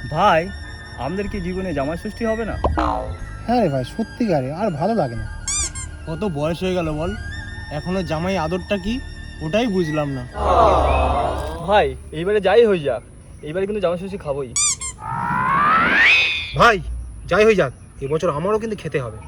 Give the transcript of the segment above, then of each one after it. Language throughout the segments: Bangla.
ভাই, আমাদের কি জীবনে জামাই ষষ্ঠী হবে না? হ্যাঁ রে ভাই, সত্যিকারে আর ভালো লাগে না। কত বয়স হয়ে গেল বল, এখনো জামাই আদরটা কি ওটাই বুঝলাম না। ভাই, এইবারে যাই হয়ে যাক, এইবারে কিন্তু জামাই ষষ্ঠী খাবোই। ভাই যাই হয়ে যাক, এবছর আমারও কিন্তু খেতে হবে।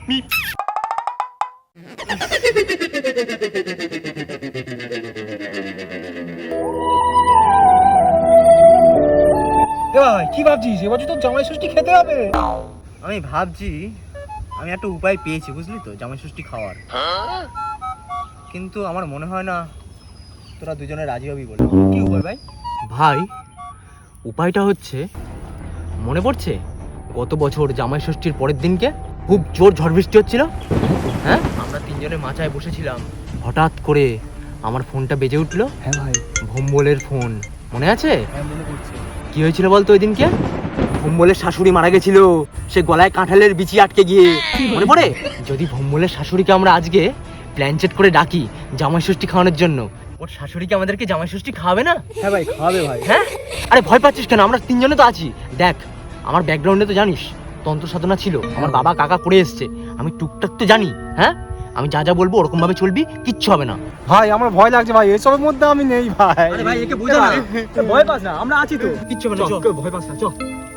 ভাই কি ভাবছিস, এবছর তো জামাই ষষ্ঠী খেতে হবে। আমি ভাবছি আমি একটা উপায় পেয়েছি, বুঝলি তো, জামাই ষষ্ঠী খাওয়ার। কিন্তু আমার মনে হয় না তোরা দুজনে রাজি হবি বলে। কি উপায় ভাই? ভাই, উপায়টা হচ্ছে, মনে পড়ছে গত বছর জামাই ষষ্ঠীর পরের দিনকে খুব জোর ঝড় বৃষ্টি হচ্ছিল, হ্যাঁ, আমরা তিনজনে মাচায় বসেছিলাম, হঠাৎ করে আমার ফোনটা বেজে উঠলো। হ্যাঁ ভাই, ভোম্বলের ফোন, মনে আছে? হ্যাঁ মনে পড়ছে। কি হয়েছিল বলতো ওই দিনকে? ভোম্বলের শাশুড়ি মারা গেছিল, সে গলায় কাঁঠালের বিচি আটকে গিয়ে। মনে পড়ে? যদি ভোম্বলের শাশুড়িকে আমরা আজকে প্ল্যানচেট করে ডাকি জামাই ষষ্ঠী খাওয়ানোর জন্য, ওর শাশুড়িকে আমাদেরকে জামাই ষষ্ঠী খাওয়াবে না? হ্যাঁ ভাই, খাওয়াবে ভাই। হ্যাঁ, আরে ভয় পাচ্ছিস কেন? আমরা তিনজনে তো আছি। দেখ, আমার ব্যাকগ্রাউন্ডে তো জানিস তন্ত্র সাধনা ছিল, আমার বাবা কাকা করে এসছে, আমি টুকটাক তো জানি। হ্যাঁ, আমি যা যা বলবো ওরকম ভাবে চলবি, কিচ্ছু হবে না। ভাই আমার ভয় লাগছে ভাই, এসবের মধ্যে আমি নেই ভাই। আরে ভাই, একে বোঝা না, ভয় পাস না, আমরা আছি তো। কিচ্ছু হবে না, চল। ভয় পাস না, চল।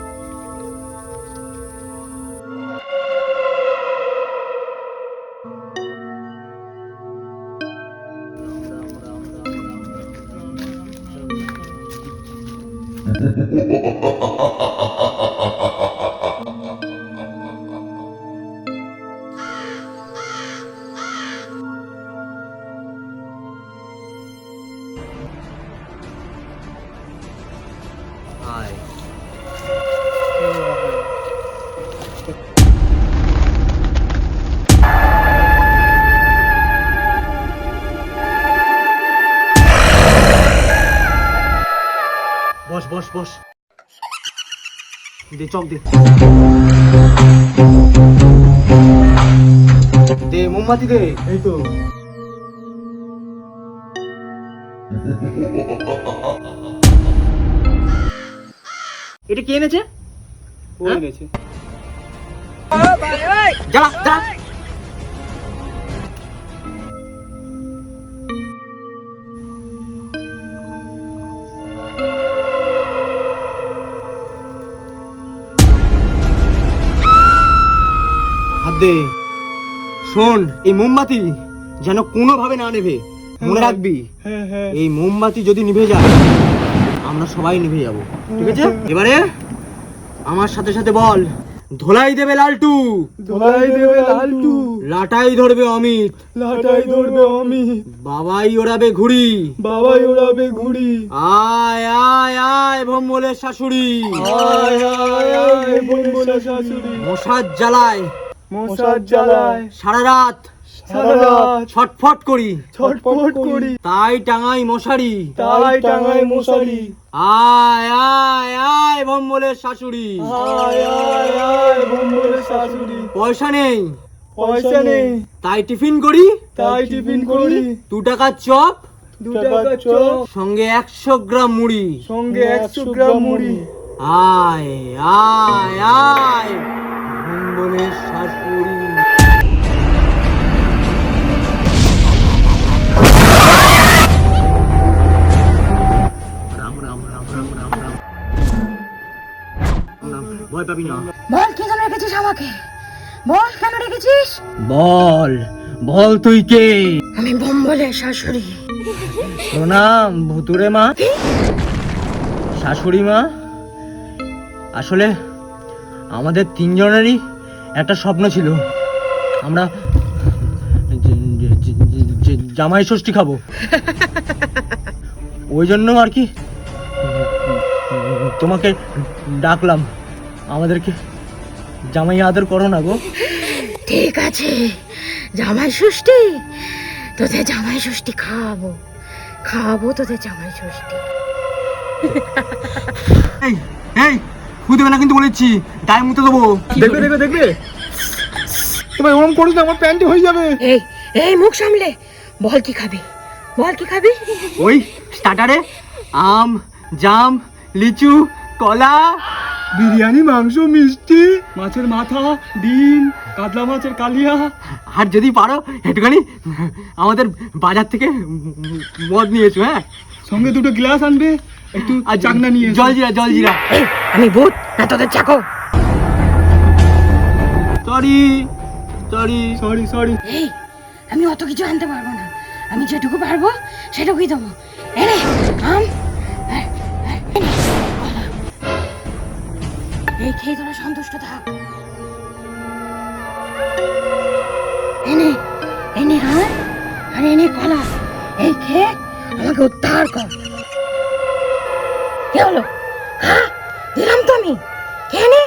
আয়। বস বস বস, দে চক দে, দে মোমবাতি দে। এই তো এটা কে এনেছে? ও এনেছে। জ্বালা জ্বালা। হাত দে। শোন, এই মোমবাতি যেন কোনোভাবে না নেভে, মনে রাখবি। হ্যাঁ হ্যাঁ এই মোমবাতি যদি নিভে যায় আমরা সবাই নিভে যাব, ঠিক আছে? এবারে আমার সাথে সাথে বল, ধোলাই দেবে লালটু, ধোলাই দেবে লালটু, লাটাই ধরবে অমিত, লাটাই ধরবে আমি, বাবাই ওড়াবে ঘুড়ি, বাবাই ওড়াবে ঘুড়ি। আয় আয় আয় ভোম্বলের শাশুড়ি, আয় আয় আয় ভোম্বলের শাশুড়ি, মশার জ্বালায় মশার জ্বালায় সারা রাত সারা রাত ছটফট করি, ছটফট করি, তাই টাঙাই মশারি, তাই টাঙায় মশারি। আয় আয় আয় ভোম্বলের শাশুড়ি, আয় আয় আয় ভোম্বলের শাশুড়ি। পয়সা নেই পয়সা নেই, তাই টিফিন করি, তাই টিফিন করি, 2 টাকার চপ 2 টাকার চপ, সঙ্গে 100 গ্রাম মুড়ি, সঙ্গে 100 গ্রাম মুড়ি। আয় আয় আয় ভোম্বলের শাশুড়ি। রাম রাম রাম রাম রাম রাম রাম, ভয় পাবি না। বল কি জন্য রেখেছিস আমাকে? বল কেন রেখেছিস? বল বল, তুই কে? আমি ভোম্বলের শাশুড়ি। প্রণাম ভুতুরে মা, শাশুড়ি মা। আসলে আমাদের তিনজনেরই একটা স্বপ্ন ছিল, আমরা জামাই ষষ্ঠী খাবো, ওই জন্য আর কি তোমাকে ডাকলাম। আমাদেরকে জামাই আদর করো না গো। ঠিক আছে, জামাই ষষ্ঠী, তোদের জামাই ষষ্ঠী খাওয়াবো, খাওয়াবো তোদের জামাই ষষ্ঠী। এই এই, ফু দেবে না কিন্তু বলেছি, গায়ে মুতে দেবো। দেখবে দেখবে দেখবে, তোমার ওরম করিস না, আমার প্যান্টি হয়ে যাবে। এই এই মুখ সামলে বল, কি খাবি? বল কি খাবি? ওই স্টার্টারে আম, জাম, লিচু, কলা বিরিয়ানি, মাংস, মিষ্টি, মাছের মাথা, ডিম, কাতলা মাছের কালিয়া। আর যদি পারো একটুখানি আমাদের বাজার থেকে মদ নিয়ে এসো, হ্যাঁ? সঙ্গে দুটো গ্লাস আনবে, একটু আর চাকনা নিয়ে এসো। জলজিরা জলজিরা। আমি ভূত না তোদের চাকর। Sorry sorry. Sorry sorry. এই আমি অত কিছু আনতে পারবো না, আমি যেটুকু পারবো সেটুকুই দেবো। এনে আম আর এনে কলা। এই খেয়ে তোরা সন্তুষ্ট থাক। এনে এনে আম আর এনে কলা, এই খেয়ে আমাকে উদ্ধার কর। কি হলো? হ্যাঁ দিলাম তো আমি, খেয়ে নে।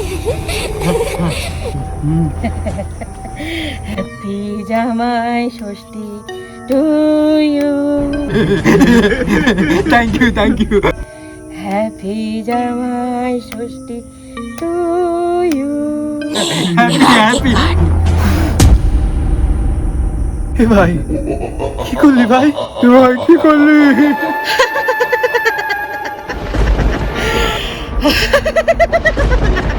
Happy Jamai Shashthi to you. Thank you thank you. Happy Jamai Shashthi to you. Happy. এ ভাই কি করলি ভাই? এ ভাই কি করলি?